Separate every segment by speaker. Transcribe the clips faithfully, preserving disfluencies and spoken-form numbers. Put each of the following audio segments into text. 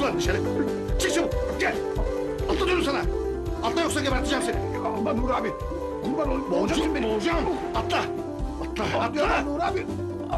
Speaker 1: lan dışarı. Çık çabuk gel. Atla diyorum sana. Atla yoksa geberteceğim seni.
Speaker 2: Ama Nur abi. Kurban olayım.
Speaker 1: Boğacaksın beni. Boğacağım. Atla. Atla. Atla.
Speaker 2: Nur abi.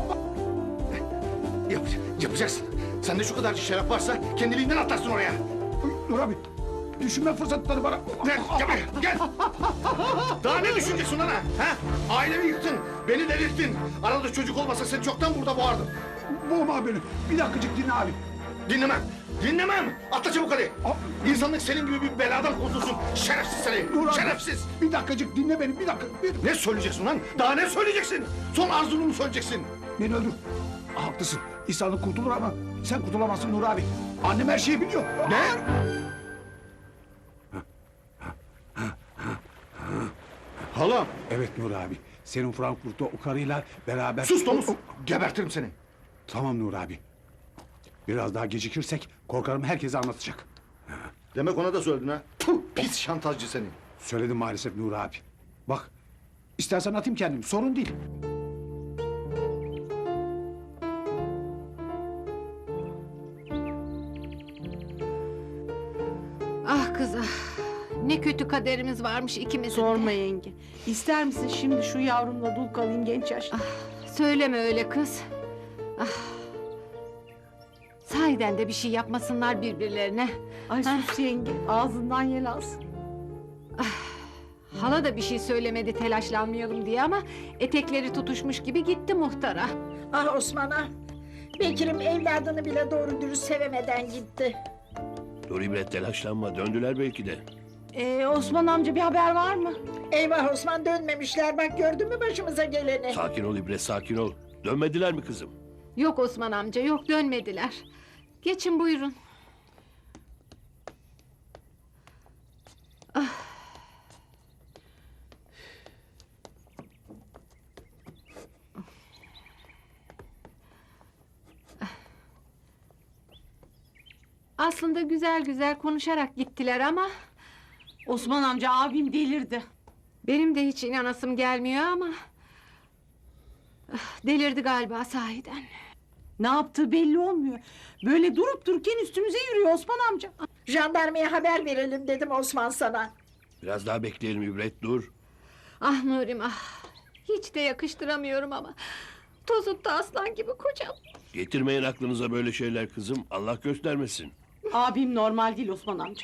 Speaker 1: Yap, yapacaksın. Sende şu kadar şeref varsa kendiliğinden atlarsın oraya.
Speaker 2: Nur abi. Düşünme fırsatları bana.
Speaker 1: Gel, gel, buraya, gel. Daha ne düşüneceksin ana? Ha? Ailemi yıktın, beni delirttin. Arada çocuk olmasa seni çoktan burada boğardım.
Speaker 2: Boğma beni. Bir dakikacık dinle abi.
Speaker 1: Dinlemem, dinlemem. Atla çabuk hadi. İnsanlık senin gibi bir beladan kurtulsun. Şerefsiz seni,
Speaker 2: Nur abi.
Speaker 1: şerefsiz.
Speaker 2: Bir dakikacık dinle beni. Bir dakika. Bir...
Speaker 1: Ne söyleyeceksin lan? Daha ne söyleyeceksin? Son arzunu mu söyleyeceksin?
Speaker 2: Beni öldür. Haklısın. İnsanlık kurtulur ama sen kurtulamazsın Nur abi. Annem her şeyi biliyor.
Speaker 1: Ne? Halam.
Speaker 2: Evet Nur abi. Senin Frankfurt'ta o karıyla beraber...
Speaker 1: Sus domuz. Gebertirim seni.
Speaker 2: Tamam Nur abi. Biraz daha gecikirsek korkarım herkese anlatacak.
Speaker 1: Demek ona da söyledin ha. Puh, pis şantajcı seni.
Speaker 2: Söyledim maalesef Nur abi. Bak, istersen atayım kendim, sorun değil.
Speaker 3: Ah kız ah. Ne kötü kaderimiz varmış ikimizin de.
Speaker 4: Sorma yenge. İster misin şimdi şu yavrumla dul kalayım genç yaşta?
Speaker 3: Söyleme öyle kız. Ah. Sahiden de bir şey yapmasınlar birbirlerine.
Speaker 4: Ay
Speaker 3: Ha?
Speaker 4: sus yenge. Ağzından yel alsın.
Speaker 3: Hala da bir şey söylemedi telaşlanmayalım diye ama etekleri tutuşmuş gibi gitti muhtara.
Speaker 5: Ah Osman ah. Bekir'im evladını bile doğru dürüst sevemeden gitti.
Speaker 6: Dur İbret telaşlanma döndüler belki de.
Speaker 4: Ee, Osman amca bir haber var mı?
Speaker 5: Eyvah Osman dönmemişler bak gördün mü başımıza geleni.
Speaker 6: Sakin ol İbret sakin ol. Dönmediler mi kızım?
Speaker 3: Yok Osman amca yok dönmediler. Geçin buyurun. Aslında güzel güzel konuşarak gittiler ama...
Speaker 4: Osman amca abim delirdi.
Speaker 3: Benim de hiç inanasım gelmiyor ama... ah, delirdi galiba sahiden.
Speaker 4: Ne yaptığı belli olmuyor. Böyle durup dururken üstümüze yürüyor Osman amca.
Speaker 5: Jandarmaya haber verelim dedim Osman sana.
Speaker 6: Biraz daha bekleyelim İbret dur.
Speaker 3: Ah Nurim ah. Hiç de yakıştıramıyorum ama... Tozutta aslan gibi kocam.
Speaker 6: Getirmeyin aklınıza böyle şeyler kızım. Allah göstermesin.
Speaker 4: Abim normal değil Osman amca.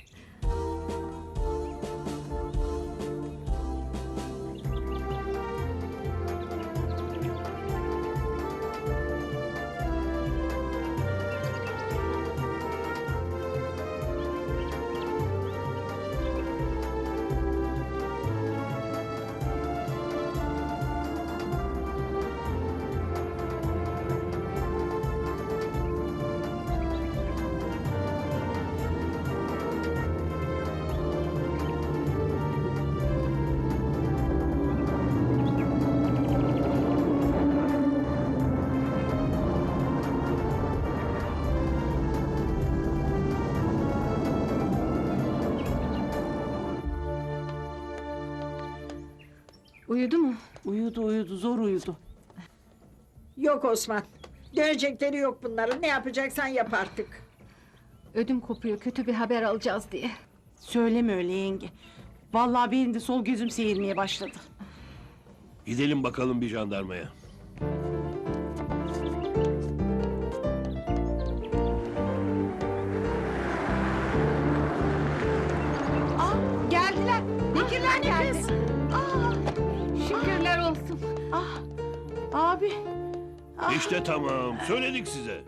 Speaker 3: Uyudu mu?
Speaker 4: Uyudu uyudu zor uyudu.
Speaker 5: Yok Osman. Dönecekleri yok bunların. Ne yapacaksan yap artık.
Speaker 3: Ödüm kopuyor kötü bir haber alacağız diye.
Speaker 4: Söyleme öyle yenge. Vallahi benim de sol gözüm seyirmeye başladı.
Speaker 6: Gidelim bakalım bir jandarmaya.
Speaker 4: Aa geldiler. Bekirler geldi. Aa,
Speaker 3: Şükürler olsun.
Speaker 4: ah, abi. Ah.
Speaker 6: İşte tamam söyledik size.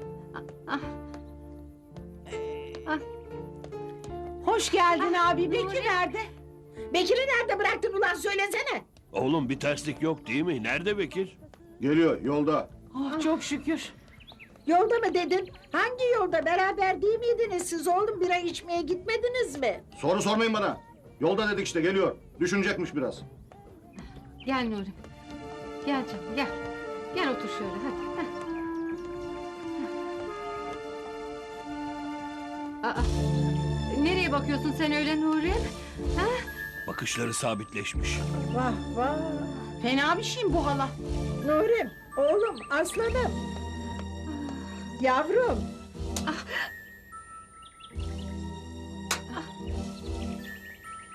Speaker 4: Hoş geldin abi. Bekir nerede?
Speaker 5: Bekir'i nerede bıraktın ulan söylesene.
Speaker 6: Oğlum bir terslik yok değil mi? Nerede Bekir?
Speaker 1: Geliyor yolda.
Speaker 4: Oh, çok şükür.
Speaker 5: Yolda mı dedin? Hangi yolda? Beraber değil miydiniz siz oğlum? Bira içmeye gitmediniz mi?
Speaker 1: Soru sormayın bana. Yolda dedik işte geliyor. Düşünecekmiş biraz.
Speaker 3: Gel Nurim. Gel canım gel. Gel otur şöyle hadi. Heh. Aa, nereye bakıyorsun sen öyle Nurim? Ha?
Speaker 6: Bakışları sabitleşmiş.
Speaker 5: Vah vah.
Speaker 4: Fena bir şeyim bu hala.
Speaker 5: Nurim, oğlum, aslanım. Yavrum.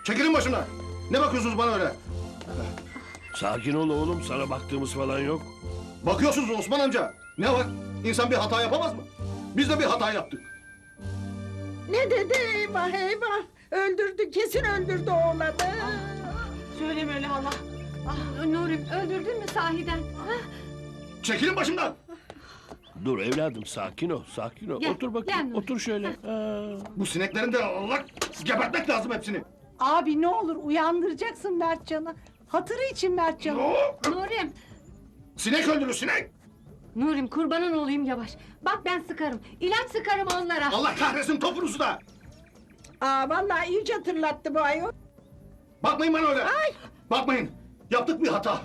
Speaker 1: Çekilin başımdan. Ne bakıyorsunuz bana öyle?
Speaker 6: Sakin ol oğlum, sana baktığımız falan yok.
Speaker 1: Bakıyorsunuz Osman amca. Ne var? İnsan bir hata yapamaz mı? Biz de bir hata yaptık.
Speaker 5: Ne dedi eyvah eyvah. Öldürdü kesin öldürdü oğlanı.
Speaker 4: Söyleme öyle hala.
Speaker 3: Ah, Nurim öldürdün mü sahiden? Ha?
Speaker 1: Çekilin başımdan.
Speaker 6: Dur evladım, sakin ol, sakin ol.
Speaker 3: Gel,
Speaker 6: Otur bakayım,
Speaker 3: gel Nuri.
Speaker 6: otur şöyle. Ha.
Speaker 1: Bu sineklerin de Allah gebertmek lazım hepsini.
Speaker 4: Abi ne olur uyandıracaksın Mertcan'ı. Hatırı için Mertcan'ı.
Speaker 3: Nurim,
Speaker 1: Sinek öldürür sinek.
Speaker 3: Nurim kurbanın olayım yavaş. Bak ben sıkarım. İlaç sıkarım onlara.
Speaker 1: Allah kahretsin topunuzu da.
Speaker 5: Aa vallahi iyice hatırlattı bu ayol.
Speaker 1: Bakmayın bana öyle. Bakmayın. Yaptık bir hata.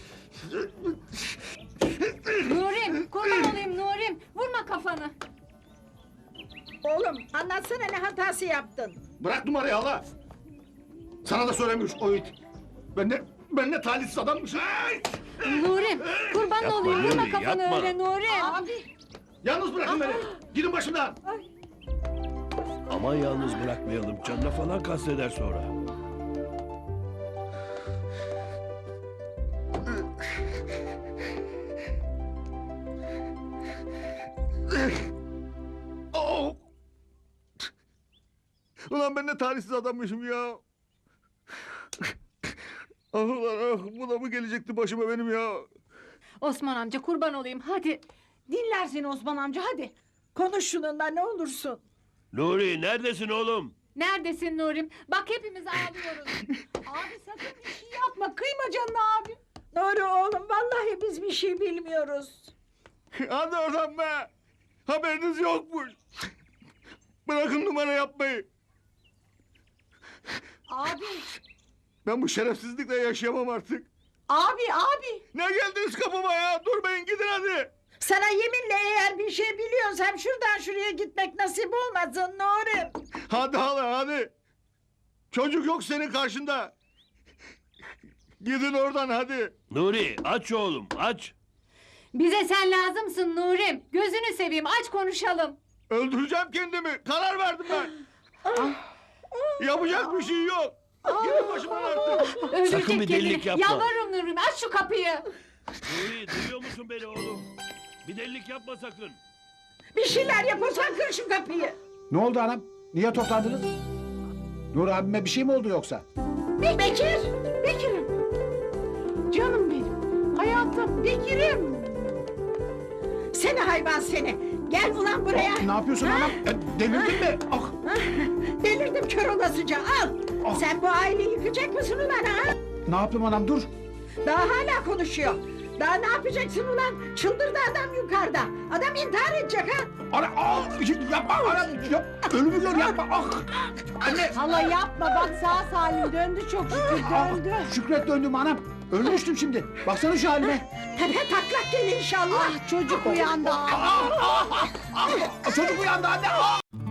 Speaker 3: Nurim, kurban olayım Nurim. Vurma kafanı.
Speaker 5: Oğlum anlatsana ne hatası yaptın.
Speaker 1: Bırak numarayı hala. Sana da söylemiş o it. Ben ne, ben ne talihsiz adammışım. Ay!
Speaker 3: Nurim, kurban
Speaker 6: Yapma
Speaker 3: olayım. Vurma
Speaker 6: Nuri,
Speaker 3: kafanı
Speaker 6: yapma.
Speaker 3: öyle Nurim.
Speaker 4: Abi.
Speaker 1: Yalnız bırakın beni. Gidin başımdan.
Speaker 6: Aman yalnız bırakmayalım, canına falan kasteder sonra.
Speaker 1: Oh! Ulan ben ne talihsiz adammışım ya. Ah ulan ah, bu da mı gelecekti başıma benim ya?
Speaker 3: Osman amca kurban olayım hadi.
Speaker 4: Dinler seni Osman amca hadi.
Speaker 5: Konuş şununla ne olursun.
Speaker 6: Nuri, neredesin oğlum?
Speaker 3: Neredesin Nurim? Bak hepimiz ağlıyoruz.
Speaker 4: Abi sakın bir şey yapma. Kıyma canına abi.
Speaker 5: Nuri oğlum vallahi biz bir şey bilmiyoruz.
Speaker 1: Hadi oradan be. Haberiniz yokmuş. Bırakın numara yapmayı.
Speaker 4: Abi.
Speaker 1: Ben bu şerefsizlikle yaşayamam artık.
Speaker 4: Abi abi.
Speaker 1: Ne geldiniz kapıma ya? Durmayın gidin hadi.
Speaker 5: Sana yeminle eğer bir şey biliyorsam şuradan şuraya gitmek nasip olmasın Nuri.
Speaker 1: Hadi hala hadi. Çocuk yok senin karşında. Gidin oradan hadi.
Speaker 6: Nuri, aç oğlum, aç.
Speaker 3: Bize sen lazımsın Nurim. Gözünü seveyim aç konuşalım.
Speaker 1: Öldüreceğim kendimi. Karar verdim ben. Yapacak bir şey yok. Gidin başımdan artık.
Speaker 3: Öldürecek
Speaker 6: Sakın bir delilik
Speaker 3: kendini.
Speaker 6: yapma.
Speaker 3: Yalvarırım Nurim aç şu kapıyı.
Speaker 6: Nuri, duyuyor musun beni oğlum? Bir delilik yapma sakın.
Speaker 5: Bir şeyler yapırsan kır şu kapıyı.
Speaker 2: Ne oldu anam? Niye toplandınız? Nur abime bir şey mi oldu yoksa?
Speaker 5: Bir Bekir.
Speaker 4: Bekir'im. Canım benim. Hayatım. Bekir'im.
Speaker 5: Seni hayvan seni. Gel ulan buraya.
Speaker 2: Ne yapıyorsun
Speaker 5: Ha?
Speaker 2: anam? E, delirdin mi? Ah,
Speaker 5: Ha? Delirdim kör olasıca al.
Speaker 2: Ah.
Speaker 5: Sen bu aileyi yıkacak mısın ulan ha?
Speaker 2: ne yaptım anam dur.
Speaker 5: Daha hala konuşuyor. Daha ne yapacaksın ulan? Çıldırdı adam yukarıda. Adam intihar edecek ha.
Speaker 2: Ana, ah, yapma anam. Yap, ölümü gör yapma. Ah, anne.
Speaker 4: Hala yapma bak sağ salim döndü çok şükür
Speaker 2: Ah,
Speaker 4: döndü.
Speaker 2: Şükret döndüm anam. Ölmüştüm şimdi. Baksana şu halime.
Speaker 5: Tepe taklak gel inşallah.
Speaker 4: Ah çocuk uyandı.
Speaker 2: Ah, çocuk uyandı anne. Ah.